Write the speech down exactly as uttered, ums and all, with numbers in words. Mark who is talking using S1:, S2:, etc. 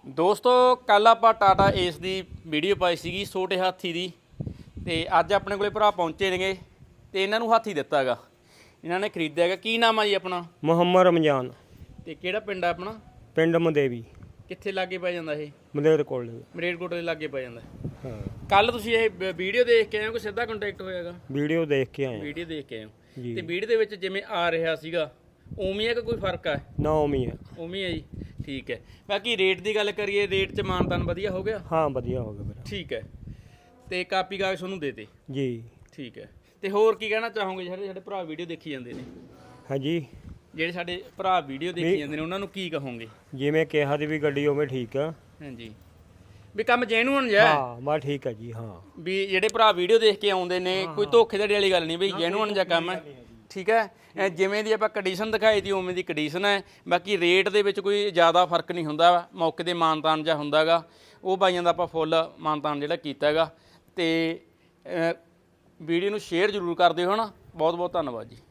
S1: ਦੋਸਤੋ ਕੱਲ ਆਪਾਂ ਟਾਟਾ ਏਸ ਦੀ ਵੀਡੀਓ ਪਾਈ ਸੀਗੀ ਛੋਟੇ ਹਾਥੀ ਦੀ, ਤੇ ਅੱਜ ਆਪਣੇ ਕੋਲੇ ਭਰਾ ਪਹੁੰਚੇ ਨੇਗੇ ਤੇ ਇਹਨਾਂ ਨੂੰ ਹਾਥੀ ਦਿੱਤਾ ਹੈਗਾ, ਇਹਨਾਂ ਨੇ ਖਰੀਦਿਆ ਹੈਗਾ। ਕੀ ਨਾਮ ਆ ਜੀ ਆਪਣਾ?
S2: ਮੁਹੰਮਦ ਰਮਜ਼ਾਨ।
S1: ਤੇ ਕਿਹੜਾ ਪਿੰਡ ਆ ਆਪਣਾ?
S2: ਪਿੰਡ ਮਦੇਵੀ।
S1: ਕਿੱਥੇ ਲਾਗੇ ਪੈ ਜਾਂਦਾ ਇਹ?
S2: ਮਲੇਰ ਕੋਲ।
S1: ਮਰੇਟਕੋਟ ਦੇ ਲਾਗੇ ਪੈ ਜਾਂਦਾ।
S2: ਹਾਂ।
S1: ਕੱਲ ਤੁਸੀਂ ਇਹ ਵੀਡੀਓ ਦੇਖ ਕੇ ਆਏ ਹੋ ਕਿ ਸਿੱਧਾ ਕੰਟੈਕਟ ਹੋਇਆਗਾ?
S2: ਵੀਡੀਓ ਦੇਖ ਕੇ ਆਏ।
S1: ਵੀਡੀਓ ਦੇਖ ਕੇ ਆਏ ਹੋ
S2: ਜੀ।
S1: ਤੇ ਵੀਡੀਓ ਦੇ ਵਿੱਚ ਜਿਵੇਂ ਆ ਰਿਹਾ ਸੀਗਾ ਉਵੇਂ ਹੈ ਕਿ ਕੋਈ ਫਰਕ ਆ?
S2: ਨਾ ਉਵੇਂ ਹੈ।
S1: ਉਵੇਂ ਹੈ ਜੀ, ਠੀਕ ਹੈ। ਬਾਕੀ ਰੇਟ ਦੀ ਗੱਲ ਕਰੀਏ, ਰੇਟ 'ਚ ਮਾਨਤਾਨ ਵਧੀਆ ਹੋ ਗਿਆ?
S2: ਹਾਂ ਵਧੀਆ ਹੋ ਗਿਆ ਵੀਰ।
S1: ਠੀਕ ਹੈ। ਤੇ ਕਾਪੀ ਕਾਗਜ਼ ਤੁਹਾਨੂੰ ਦੇ ਦੇ?
S2: ਜੀ
S1: ਠੀਕ ਹੈ। ਤੇ ਹੋਰ ਕੀ ਕਹਿਣਾ ਚਾਹੋਗੇ ਜਿਹੜੇ ਸਾਡੇ ਭਰਾ ਵੀਡੀਓ ਦੇਖੀ ਜਾਂਦੇ ਨੇ?
S2: ਹਾਂਜੀ,
S1: ਜਿਹੜੇ ਸਾਡੇ ਭਰਾ ਵੀਡੀਓ ਦੇਖੀ ਜਾਂਦੇ ਨੇ ਉਹਨਾਂ ਨੂੰ ਕੀ ਕਹੋਗੇ?
S2: ਜਿਵੇਂ ਕਿਹਾ ਦੀ ਵੀ ਗੱਡੀ ਉਵੇਂ ਠੀਕ ਆ।
S1: ਹਾਂਜੀ, ਵੀ ਕੰਮ ਜੈਨੂਅਨ ਜਿਹਾ?
S2: ਹਾਂ ਬਾ ਠੀਕ ਆ ਜੀ। ਹਾਂ
S1: ਵੀ ਜਿਹੜੇ ਭਰਾ ਵੀਡੀਓ ਦੇਖ ਕੇ ਆਉਂਦੇ ਨੇ ਕੋਈ ਧੋਖੇਧੜੀ ਵਾਲੀ ਗੱਲ ਨਹੀਂ, ਬਈ ਜੈਨੂਅਨ ਜਿਹਾ ਕੰਮ ਹੈ। ਠੀਕ ਹੈ, ਇਹ ਜਿਵੇਂ ਦੀ ਆਪਾਂ ਕੰਡੀਸ਼ਨ ਦਿਖਾਈ ਦੀ ਉਵੇਂ ਦੀ ਕੰਡੀਸ਼ਨ ਹੈ। ਬਾਕੀ ਰੇਟ ਦੇ ਵਿੱਚ ਕੋਈ ਜ਼ਿਆਦਾ ਫਰਕ ਨਹੀਂ ਹੁੰਦਾ, ਮੌਕੇ ਦੇ ਮਾਨਤਾਨ ਜਿਹਾ ਹੁੰਦਾ ਗਾ, ਉਹ ਬਾਈਆਂ ਦਾ ਆਪਾਂ ਫੁੱਲ ਮਾਨਤਾਨ ਜਿਹੜਾ ਕੀਤਾ ਹੈਗਾ। ਤੇ ਵੀਡੀਓ ਨੂੰ ਸ਼ੇਅਰ ਜ਼ਰੂਰ ਕਰ ਦਿਓ। ਹੈ ਨਾ, ਬਹੁਤ ਬਹੁਤ ਧੰਨਵਾਦ ਜੀ।